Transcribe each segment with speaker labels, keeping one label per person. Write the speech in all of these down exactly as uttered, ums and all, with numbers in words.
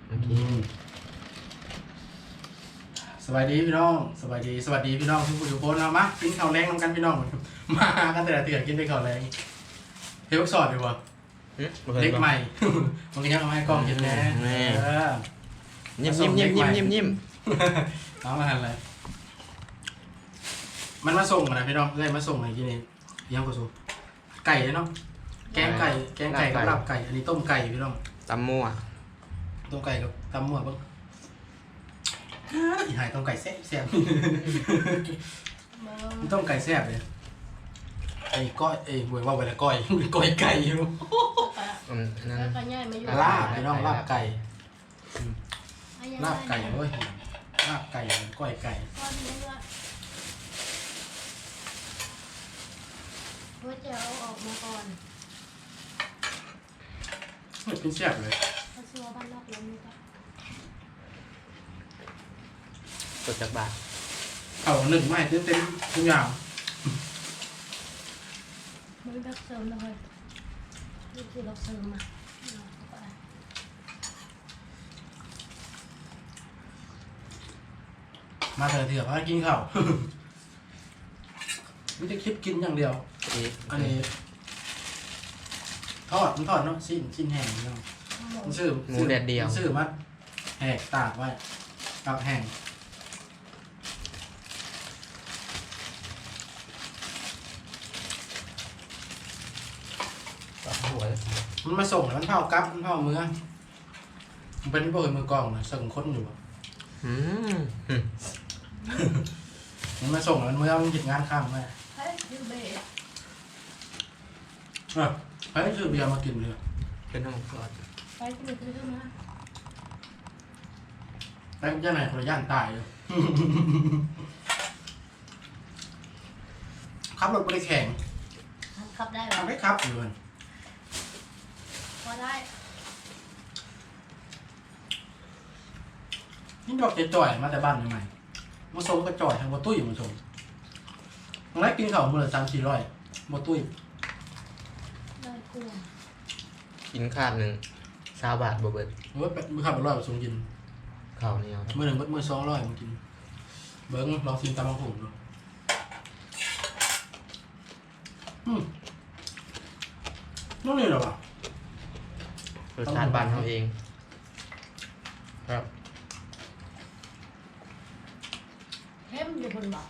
Speaker 1: โอเค
Speaker 2: สวัสดีพี่น้องสวัสดีสวัสดีพี่น้องทุกคนทุกคนเอามากินข้าวแรงน้ำกันพี่น้องมากันแต่ละเตือนกินได้ข้าวแรงเฮ้ยพวกสอดดีกว่าเด็กใหม่มันก็ยังเอาให้กล้องกินแน่
Speaker 1: ยิ้มยิ้มยิ้มยิ้มยิ้มยิ้ม
Speaker 2: เอามาทำอะไรมันมาส่งนะพี่น้องเลยมาส่งอะไรกินเองยังก็ส่งไก่เลยเนาะแกงไก่แกงไก่กับลาบไก่อันนี้ต้มไก่พี่น้อง
Speaker 1: ตำมั่ว
Speaker 2: ต้มไก่กับตำมั่วบ้างอีหายต้มไก่แซ่บแซ่บต้มไก่แซ่บเลยไอ้ก้อยไอ้หวยว่าไปแล้วก้อยก้อยไก่อยู่ลาบพี่น้องลาบไก่ลาบไก่เว้ยลาบไก่ก้อยไก่
Speaker 3: ว่าจะเอาออกมาก่อน
Speaker 2: ไม่เป็นแซ่บเลย
Speaker 3: เขาชัวบ้านนอกแล้วนี่ก็
Speaker 1: สดจากบาท
Speaker 2: เขาหนึ่งไม่เต็มเต็มทุกอย่าง
Speaker 3: ไม่ได้เสริมเลยนี่คือเราเสริมมา
Speaker 2: มาเถอะเถอะพากินข้าวไม่ได้คิดกินอย่างเดียวอันนี้ทอดมันทอดเนาะชิ้นชิ้นแห้งเนาะมันซื้อ
Speaker 1: หมูแดดเดียว
Speaker 2: ซื้อมาแหกตากไว้ตากแห้งมันมาส่งแล้วมันเผากับมันเผามือมันเป็นพวกมือกองนะส่งค้นอยู่
Speaker 1: อืม
Speaker 2: มันมาส่งแล้วมันเมื่อมันหยุดงานข้ามไหม
Speaker 3: เฮ้ยยูเบะ
Speaker 2: อ่ะเฮ้ยซื้อเบียร์มากินเลย
Speaker 1: เป็นห้องกอด
Speaker 3: ไปกินเลยซื้อมา
Speaker 2: ไปย่านไหนคนละย่านตายเลยขับรถไปแข่ง
Speaker 3: ขับได้หรอ
Speaker 2: ขับได้ขับอยู่เลย
Speaker 3: พอได้
Speaker 2: นี่ดอกจะจ่อยมาแต่บ้านใหม่มาส่งก็จ่อยทางบัตุ้ยมาส่งตรงแรกกินข้าวมือละสามสี่ร้อยบัตุ้ย
Speaker 3: ได้กลัว
Speaker 1: กินขาดหนึ่งสามบาทบ่เบิด
Speaker 2: เมื่อมือขับร้อยมาส่งกิน
Speaker 1: ข้าวเหนียว
Speaker 2: มือหนึ่งมือสองร้อยมากินเบิ้งลองชิมตำมะพร้าวดูอืมนั่นนี่เหรอวะ
Speaker 1: รสชาติบ้านเขาเองครับ
Speaker 3: เข้มอยู่บนบ่อ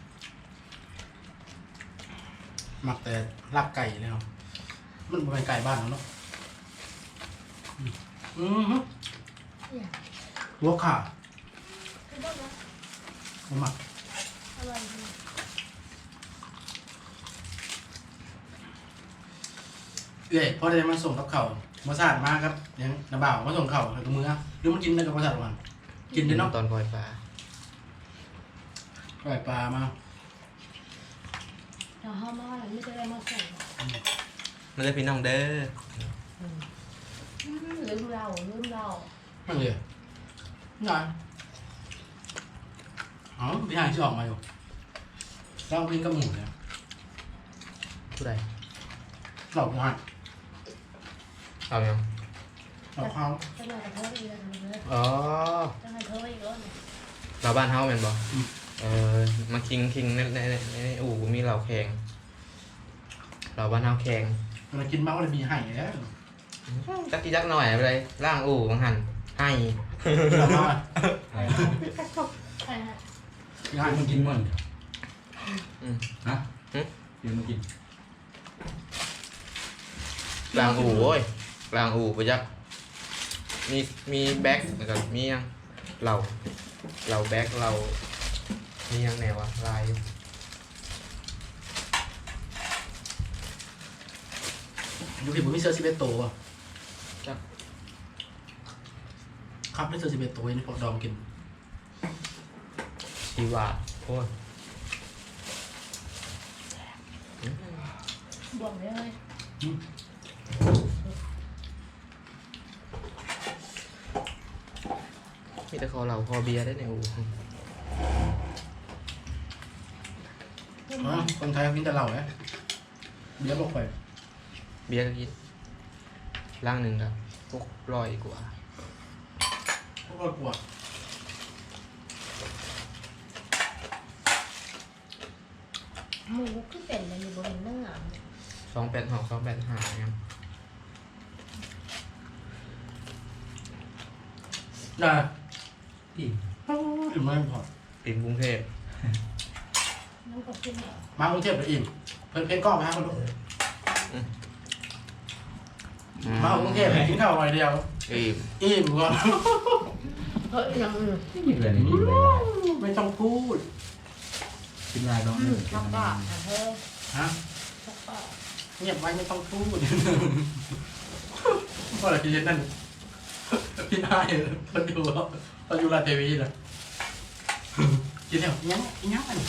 Speaker 2: หมักแต่ลาบไก่เลยเนาะมันเป็นไก่บ้านเนาะอืมฮึหัวขาผมหมักเอ้ยพอได้มาส่งกับเขามาสาดมาครับยังน้าบ่าวมาส่งเขากับมือหรือมันกินได้กับมาสาดวันกินได้เนาะ
Speaker 1: ตอนปล่อยปลา
Speaker 2: ปล่อยปลามา
Speaker 3: เดี๋ยวเขามาหลังนี้จะได้มาส่ง
Speaker 1: มันจะพี่น้องเด้อ
Speaker 3: ลืมเราลืมเรา
Speaker 2: ไม่เลยนี่ไงอ๋อพี่หายที่ออกมาอยู่เรากินกับหมูเนี่ย
Speaker 1: ผู้ใด
Speaker 2: หลอกงาน
Speaker 1: เอายัง
Speaker 2: หลอกเขา
Speaker 3: จะมากับเธออีกแล้ว
Speaker 1: อ๋อ
Speaker 3: จะให้เธออีกแล้ว
Speaker 1: เราบ้านเฮาเป็นบ่เออมาคิงคิงในในในอู่มีเหล่าแข่งเราบ้านเฮาแข่ง
Speaker 2: เรากินมากเลยมีไห่แล้ว
Speaker 1: จักกี่จักหน่อยไปเลยล่างอู่บางหันให้
Speaker 2: เราบ้า
Speaker 3: ใช่ฮะ
Speaker 2: งานมันกินมัน
Speaker 1: ฮะ
Speaker 2: เดี๋ยวมากิน
Speaker 1: ล่างอู่โว้ยล่างอู่ไปจักมีมีแบ็คแล้วก็มียังเราเราแบ็คเรามียังแนวอะลาย
Speaker 2: ดูผิวผมมีเซอร์ซิเบโตอ่ะครับได้เซอร์ซิเบโตนี่พอดอมกิน
Speaker 1: ชีวะโอ้ย
Speaker 3: บวกเลย
Speaker 1: มีแต่คอเหล่าคอเบียร์ได้ในอู่
Speaker 2: คนไทยกินแต่เหล้าเนี่ยเบียร์บอกไป
Speaker 1: เบียร์ก็กินล่างหนึ่งครับพวกร้อยกว่า
Speaker 2: ก็กลัว
Speaker 3: หมูคือเป็นอะไรอยู่บนเนื้อ
Speaker 1: สองแปดหกสองแปดห้ายัง
Speaker 2: ได้
Speaker 4: อีก
Speaker 2: อิ่มไม่พอ
Speaker 1: ติมกรุงเทพ
Speaker 3: น้ำกับพี่แม่
Speaker 2: มากรุงเทพหรืออิ่มเพิ่นเพ่งกล้องไปฮะคนดูมากรุงเทพกินข้าววันเดียว
Speaker 1: อิ่ม
Speaker 2: อิ่มก่อน
Speaker 3: เฮ้ยยังอื่น
Speaker 4: ไม่มีเลยนี่มีเลย
Speaker 2: ไม่ต้องพูด
Speaker 4: กินลายน้องหนึ่ง
Speaker 3: ชักบ้าเฮ้ย
Speaker 2: ฮะ
Speaker 3: ชักบ้า
Speaker 2: เงียบไว้ไม่ต้องพูดเพราะอะไรพี่เจนนั่นพี่นายคนดูเขาอยู่ราชเทวีนะกินแล้วยังยังอัน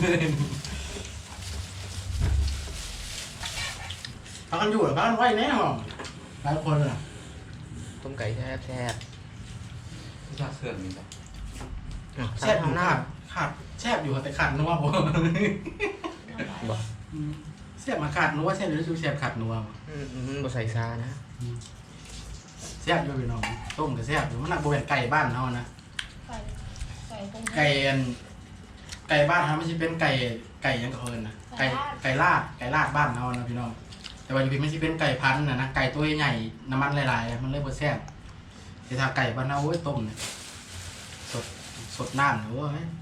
Speaker 2: พักกันอยู่หรือพักกันไหวแน่หรอหลายคนอ่ะ
Speaker 1: ต้มไก่แซ่บแซ่บ
Speaker 4: ที่ชาเสื่อมนี่ครับ
Speaker 1: อ่ะ
Speaker 2: แซ่บอ
Speaker 1: ข้า
Speaker 2: ยู่
Speaker 1: งหน้า
Speaker 2: ขาดขาดแซ่บอยู่แต่ขาดนัวผม
Speaker 1: บอก
Speaker 2: แซ่บมาขาดนัวแซ่บหรือชูแซ่บขาดนัว
Speaker 1: อืมมันบ่ใส่ซานะ
Speaker 2: แซ่บอยู่พี่น้องต้มกับแซ่บอยู่มันหนักโบแวนไก่บ้านเขานะ
Speaker 3: ไก่ไก่ตรง
Speaker 2: ไก่อันไก่บ้านเขาไม่ใช่เป็นไก่ไก่ยังกับเอิญนะไก่ไก่ลาดไก่ลาดบ้านเขานะพี่น้องแต่ว่าอยู่พี่ไม่ใช่เป็นไก่พันธุ์นะนะไก่ตัวใหญ่น้ำมันหลายๆมันเลยบ่แซ่บแต่ถ้าไก่บ้านเราโอ้ยต้มเนี่ยสดสดน้ำเนี่ยโอ้ย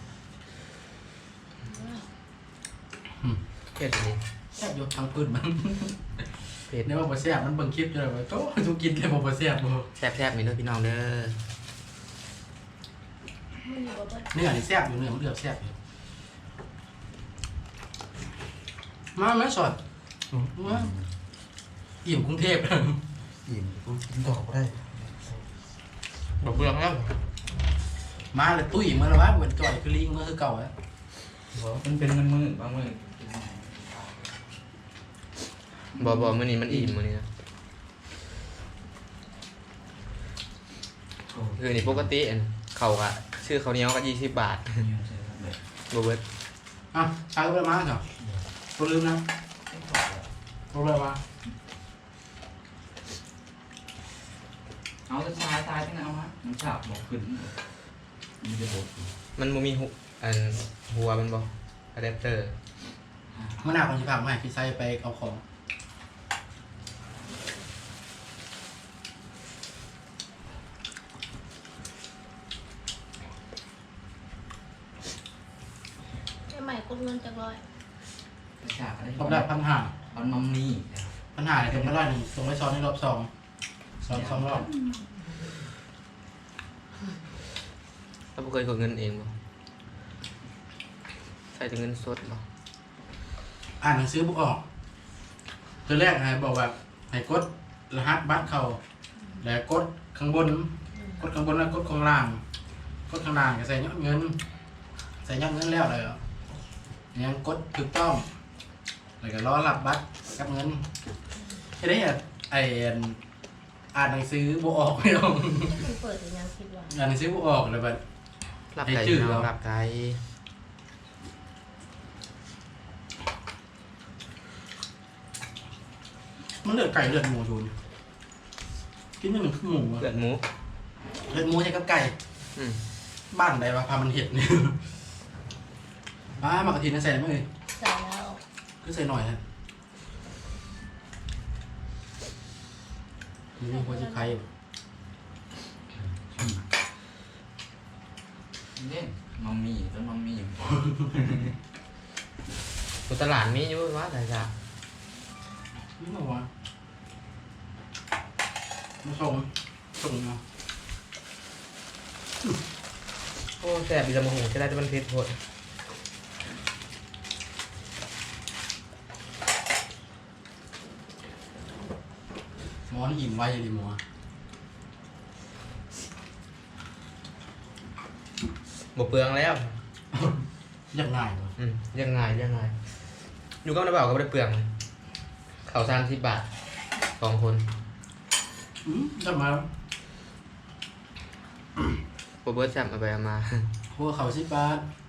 Speaker 1: เผ็ดเลย
Speaker 2: แซ่บอยู่ทางพื้นมัน
Speaker 1: เผ็ด
Speaker 2: เนี่ยว่าบ่แซ่บมันเบิ่งคลิปอยู่เลยว่าโต้ทุกกินเลยบ่บ่แซ่บบ่
Speaker 1: แซ่บแซ่บๆนี่เด้อพี่น้องเด้อ
Speaker 3: มันอยู่บน
Speaker 2: เนื้อนี่แซ่บอยู่เนื้อมันเดือดแซ่บอยู่มาไม่สดมาอิ่มกรุงเทพ
Speaker 4: อิ่มกูกินดอกก็ได้
Speaker 1: บอกเปลืองแล้ว
Speaker 2: มาเลยตุ้ยเมื่อละวะเหมือนจ่อยคือลิงเมื่อคือเก่าอะ
Speaker 4: มันเป็นเงินมือบางมือ
Speaker 1: บ่บ่มื้อนี้มันอิ่มมื้อนี้นะคือนี่ปกติอันเขาก็ชื่อเขาวเหนียวก็ยี่สิบบาทบ่เบิด
Speaker 2: อ่ะใช้ไปมาเหรอตัวลืมนะตัวเลยมา
Speaker 4: เอาจะตายตายที่ไหนเอาฮะมันฉาบบอกขึ้นมันจะบด
Speaker 1: มันบ่มีหุอันหัวมันบ่อะแดปเตอร์
Speaker 2: เมื่อหน้าคนที่พามาให้พี่ไซไปเอาของ
Speaker 3: ไอ้ใหม่กดเงินจากร้อย
Speaker 4: ฉาบอะไร
Speaker 2: รอบแรกพันห้า
Speaker 4: มันมัมมี่
Speaker 2: พันห้าเดี๋ยวมาไล่หนึ่งส่งไว้ซ้อนในรอบสองซ้อนสองรอบ
Speaker 1: แล้วบ่เคยกดเงินเองบ่ใส่แต่เงินสดบ่
Speaker 2: อ่านหนังสือบุกออกตัวแรกให้บอกว่าให้กดรหัสบัตรเขาแล้วกดข้างบน กดข้างบนแล้วกดข้างล่าง กดข้างล่างก็ใส่ยอดเงิน ใส่ยอดเงินแล้วเลยเนี่ยกดถูกต้องแล้วก็รอรับบัตรกับเงินแค่นี้อ่ะไออ่านหนังสือบุออกไม่ต้อง
Speaker 3: มันเปิดถึงยังคิดว่า
Speaker 2: อ่านหนังสือบุออกเลยแบบ
Speaker 1: รับ
Speaker 2: ให้
Speaker 1: ไก่
Speaker 2: จืด
Speaker 1: พี่น้อง
Speaker 2: เหรอ
Speaker 1: รับไก่
Speaker 2: มันเลือดไก่เลือดหมูชูนกินนิดหนึ่งคือหมูอะ
Speaker 1: เลือดหมู
Speaker 2: เลือดหมูใช่กับไก่
Speaker 1: อืม
Speaker 2: บ้านใดวะพามันเห็ดเนี่ยมามากระถินนะใส่ไหมเอ่ย
Speaker 3: ใส่แล้ว
Speaker 2: ก็ใส่หน่อยฮะนี่หัวจะไข่
Speaker 4: เล่นมัมมี่ต้นมัมมี่
Speaker 1: อยู่ตลาดมีอยู่ว่าแต่จ้ะ
Speaker 2: นี่หรอวะมาส่งส่งมา
Speaker 1: โอ้แซ่บอีหละบ่ฮู้จะได้แต่มันเผ็ดโพด
Speaker 2: หมอนี่อิ่มไว้ดิหมอ
Speaker 1: บ่เปลืองแล้ว
Speaker 2: ยังง่ายวะ
Speaker 1: อืมยังไงยังไงอยู่กับน้าบ่าวก็บ่ได้เปลืองข้าวสามสิบบาทสองคน
Speaker 2: อืมจะมา
Speaker 1: บ่เบิดแซ่บเอาไปเอามา
Speaker 2: หัวเขาสิบบาท